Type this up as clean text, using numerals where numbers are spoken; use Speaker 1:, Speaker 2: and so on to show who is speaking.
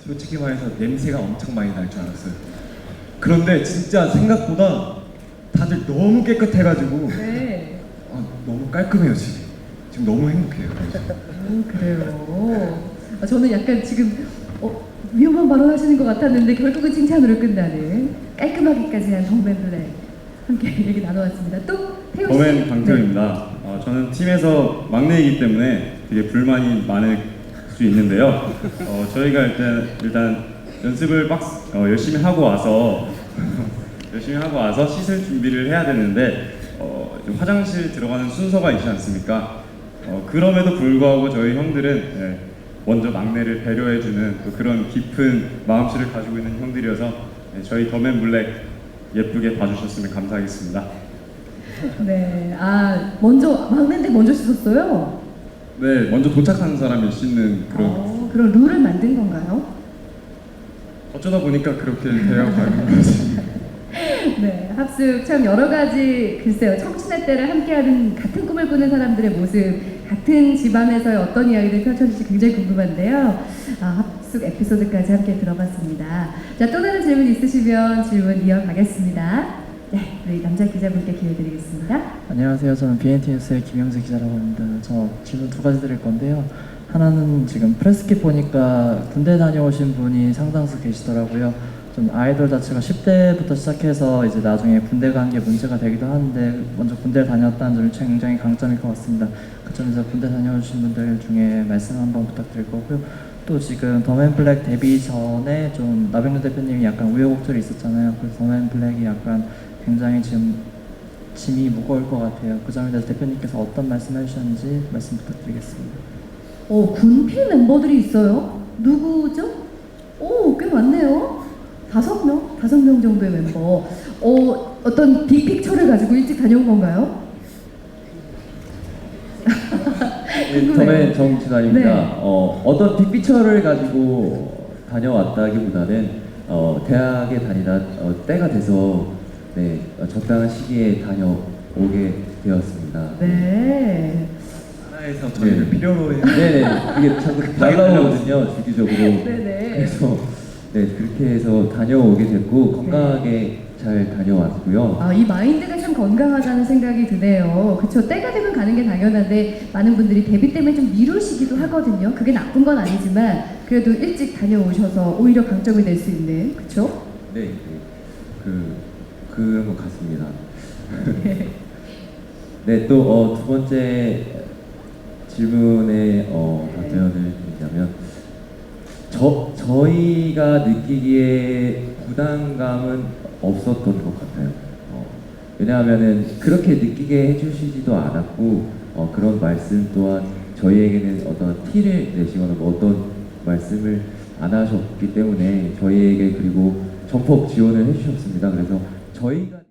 Speaker 1: 솔직히 말해서 냄새가 엄청 많이 날 줄 알았어요. 그런데 진짜 생각보다 다들 너무 깨끗해가지고
Speaker 2: 네.
Speaker 1: 너무 깔끔해요 지금. 지금 너무 행복해요.
Speaker 2: 그래요. 저는 약간 지금 위험한 발언 하시는 것 같았는데 결국은 칭찬으로 끝나는 깔끔하기까지 한 덤앤블랙 함께 얘기 나눠왔습니다. 또 태우 씨.
Speaker 3: 더맨 강태우입니다. 저는 팀에서 막내이기 때문에 되게 불만이 많을 수 있는데요. 저희가 일단 연습을 열심히 하고 와서 씻을 준비를 해야 되는데 좀 화장실 들어가는 순서가 있지 않습니까? 그럼에도 불구하고 저희 형들은 먼저 막내를 배려해주는 또 그런 깊은 마음씨를 가지고 있는 형들이어서 저희 더맨 블랙 예쁘게 봐주셨으면 감사하겠습니다.
Speaker 2: 네, 먼저 막내인데 먼저 씻었어요?
Speaker 3: 네, 먼저 도착한 사람이 씻는
Speaker 2: 그런 룰을 만든 건가요?
Speaker 3: 어쩌다 보니까 그렇게 되어가는 거지.
Speaker 2: 네, 합숙 참 여러 가지 글쎄요 청춘의 때를 함께하는 같은 꿈을 꾸는 사람들의 모습, 같은 집안에서의 어떤 이야기를 펼쳐질지 굉장히 궁금한데요. 합숙 에피소드까지 함께 들어봤습니다. 자, 또 다른 질문 있으시면 질문 이어가겠습니다. 네, 우리 남자 기자분께 기회 드리겠습니다.
Speaker 4: 안녕하세요. 저는 BNT 뉴스의 김영재 기자라고 합니다. 저 질문 두 가지 드릴 건데요. 하나는 지금 프레스킷 보니까 군대 다녀오신 분이 상당수 계시더라고요. 좀 아이돌 자체가 10대부터 시작해서 이제 나중에 군대 간 게 문제가 되기도 하는데 먼저 군대를 다녔다는 점이 굉장히 강점일 것 같습니다. 그 점에서 군대 다녀오신 분들 중에 말씀 한번 부탁드릴 거고요. 또 지금 더맨 블랙 데뷔 전에 좀 나병렬 대표님이 약간 우여곡절이 있었잖아요. 그래서 더맨 블랙이 약간 굉장히 지금 짐이 무거울 것 같아요. 그 점에 대해서 대표님께서 어떤 말씀 해주셨는지 말씀 부탁드리겠습니다.
Speaker 2: 군필 멤버들이 있어요? 누구죠? 꽤 많네요. 5명 정도의 멤버. 어떤 빅픽처를 가지고 일찍 다녀온 건가요?
Speaker 5: 더맨 정진환입니다.
Speaker 2: 네.
Speaker 5: 어떤 빅피처를 가지고 다녀왔다기보다는 대학에 다니다 때가 돼서 적당한 시기에 다녀오게 되었습니다.
Speaker 2: 네.
Speaker 1: 하나에서 저희를 필요로 해요.
Speaker 5: 네네, 이게 자꾸 날라오거든요, 주기적으로.
Speaker 2: 네네.
Speaker 5: 그래서 그렇게 해서 다녀오게 됐고 건강하게 잘 다녀왔고요.
Speaker 2: 이 마인드가 참 건강하다는 생각이 드네요. 그쵸? 때가 되면 가는 게 당연한데 많은 분들이 데뷔 때문에 좀 미루시기도 하거든요. 그게 나쁜 건 아니지만 그래도 일찍 다녀오셔서 오히려 강점이 될 수 있는, 그쵸?
Speaker 5: 네, 그런 것 같습니다. 네, 또 두 번째 질문에 답변을 드리자면 저희가 느끼기에 부담감은 없었던 것 같아요. 왜냐하면은 그렇게 느끼게 해주시지도 않았고 그런 말씀 또한 저희에게는 어떤 티를 내시거나 뭐 어떤 말씀을 안 하셨기 때문에 저희에게 그리고 전폭 지원을 해주셨습니다. 그래서 저희가